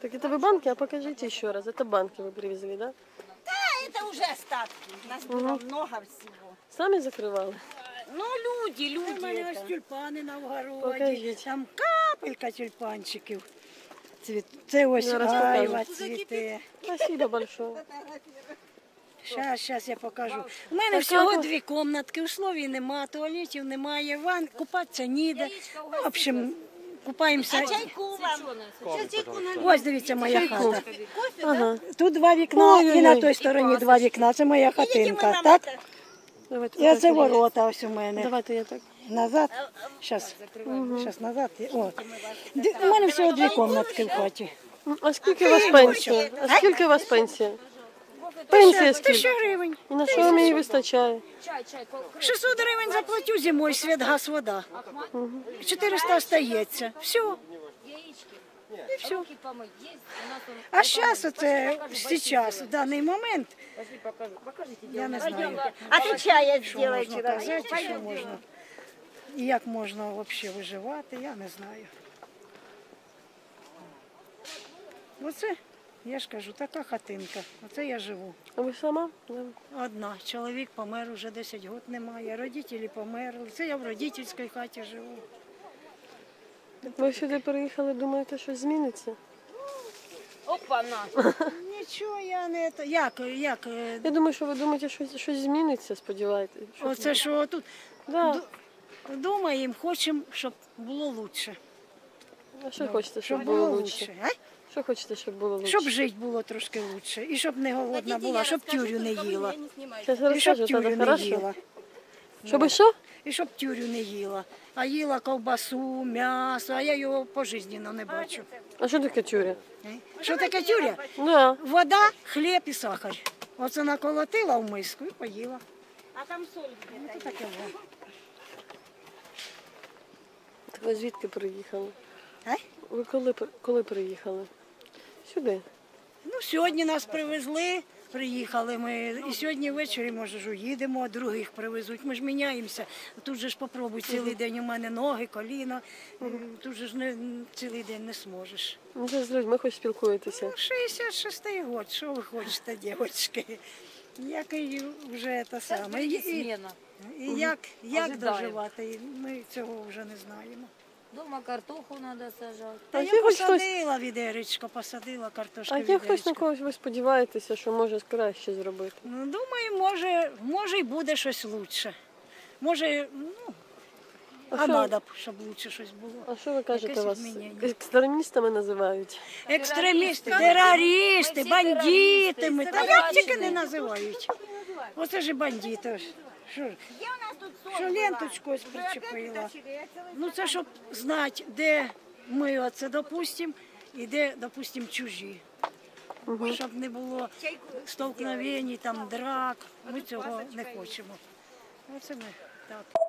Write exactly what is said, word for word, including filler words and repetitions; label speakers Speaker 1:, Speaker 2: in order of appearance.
Speaker 1: Так это вы банки, а покажите еще раз. Это банки вы привезли, да?
Speaker 2: Да, это уже остатки. У нас было
Speaker 1: Угу.
Speaker 2: много всего.
Speaker 1: Сами закрывали?
Speaker 2: Ну, люди, люди.
Speaker 3: У мене ось
Speaker 2: это.
Speaker 3: тюльпани на вгороді,
Speaker 1: Покажіть.
Speaker 3: там капелька тюльпанчиків. Цвіт- Це ось
Speaker 1: Зараз
Speaker 3: айва
Speaker 1: покажу.
Speaker 3: цвіте.
Speaker 1: Спасибо большое.
Speaker 3: Щас, щас я покажу. У мене
Speaker 1: Так,
Speaker 3: всього
Speaker 1: як ви-
Speaker 3: дві кімнатки, условій нема, туалетів немає, ван, купатися ніде. Ну, в общем, купаємося.
Speaker 2: А чайку вам? Сейчас чайку налью.
Speaker 3: Ось дивіться моя
Speaker 1: Чайку.
Speaker 3: хата.
Speaker 1: Ага.
Speaker 3: Тут два вікна і на
Speaker 1: Ой-ой-ой.
Speaker 3: той стороні два вікна. Це моя
Speaker 2: Видите, мы
Speaker 3: хатинка.
Speaker 2: вам
Speaker 3: Так?
Speaker 2: это-
Speaker 1: Давайте,
Speaker 3: І оце
Speaker 1: покажіть.
Speaker 3: ворота ось у мене.
Speaker 1: Давайте я так.
Speaker 3: Назад. Щас. Щас назад. О. Д- У мене всього дві кімнатки в хаті.
Speaker 1: М, А скільки у вас пенсія? А скільки у вас пенсія? Пенсія
Speaker 3: Тисяча
Speaker 1: скільки?
Speaker 3: гривень.
Speaker 1: І на що вам її вистачає?
Speaker 3: шістсот гривень заплатю зимою, світ, газ, вода. чотириста остається. Все. І все. А зараз, оце, зараз, в даний момент, я не знаю,
Speaker 2: А тут чая
Speaker 3: що
Speaker 2: сделайте.
Speaker 3: можна казати, що можна, і як можна взагалі виживати, я не знаю. Оце, я ж кажу, така хатинка, оце я живу.
Speaker 1: А ви сама? Да.
Speaker 3: Одна. Чоловік помер, уже десять років немає, родителі померли. Це я в родительській хаті живу.
Speaker 1: Ви сюди переїхали, думаєте, щось зміниться?
Speaker 2: Опа-на.
Speaker 3: Нічого я не... то- Як, як, е,
Speaker 1: Я думаю, що ви думаєте, щось, щось зміниться, сподіваєтесь. Що-
Speaker 3: оце що тут
Speaker 1: Да.
Speaker 3: думаємо, хочемо, щоб було краще.
Speaker 1: А що хочете, щоб
Speaker 3: Щоб
Speaker 1: було
Speaker 3: було
Speaker 1: лучше?
Speaker 3: краще.
Speaker 1: Що хочете, щоб було лучше?
Speaker 3: Щоб жити було трошки краще. І щоб не голодна була, щоб тюрю не їла.
Speaker 1: Зараз
Speaker 3: І щоб
Speaker 1: розкажу,
Speaker 3: тюрю
Speaker 1: тоді,
Speaker 3: не
Speaker 1: хорошо?
Speaker 3: їла.
Speaker 1: Щоб що?
Speaker 3: І щоб тюрю не їла. А їла ковбасу, м'ясо, а я його пожизненно не бачу.
Speaker 1: А що таке тюря?
Speaker 3: Е? Що таке тюря?
Speaker 1: Да.
Speaker 3: Вода, хліб і сахар. Оце наколотила в миску і поїла.
Speaker 2: А там соль
Speaker 3: Ну,
Speaker 2: где-то.
Speaker 3: то таке було.
Speaker 1: Так ви звідки приїхали?
Speaker 3: Е?
Speaker 1: Ви коли, при- коли приїхали? Сюди.
Speaker 3: Ну, сьогодні нас привезли, приїхали ми. І сьогодні ввечері, може, ж уїдемо, а других привезуть. Ми ж міняємося. Тут же ж попробуй цілий день у мене ноги, коліна. Тут же ж не, цілий день не зможеш.
Speaker 1: Ну, ви з людьми хоч спілкуєтеся.
Speaker 3: шістдесят шостий год, що ви хочете, дівчатки? Як і вже те саме. І, і, і як, як
Speaker 4: Ожидаємо.
Speaker 3: доживати, ми цього вже не знаємо.
Speaker 4: Дома картоху треба сажати.
Speaker 3: Та
Speaker 1: А
Speaker 3: я
Speaker 1: є хоч хтось-
Speaker 3: посадила відеречко, посадила картошку
Speaker 1: А є хтось, на
Speaker 3: відеречко.
Speaker 1: когось ви сподіваєтеся, що може краще зробити?
Speaker 3: Ну, думаю, може, може і буде щось лучше. Може, ну,
Speaker 1: А
Speaker 3: а
Speaker 1: що-
Speaker 3: треба б, щоб лучше щось було.
Speaker 1: А що ви кажете,
Speaker 3: Якесь
Speaker 1: вас
Speaker 3: змінення.
Speaker 1: екстремістами називають?
Speaker 3: Екстремісти,
Speaker 4: Ми
Speaker 3: терористи,
Speaker 4: всі
Speaker 3: бандитами,
Speaker 4: терористи,
Speaker 3: та як тільки
Speaker 4: собачні.
Speaker 3: не називають. Оце ж і бандити. Що, ж,
Speaker 2: Где у нас тут соль
Speaker 3: що
Speaker 2: была?
Speaker 3: ленточку ось
Speaker 2: Вы опять
Speaker 3: причепила.
Speaker 2: вытащили? Я целый
Speaker 3: Ну це щоб знати, де ми оце допустимо і де, допустимо, чужі. Щоб не було столкновень, там, драк. Ми цього не хочемо. Оце ми так.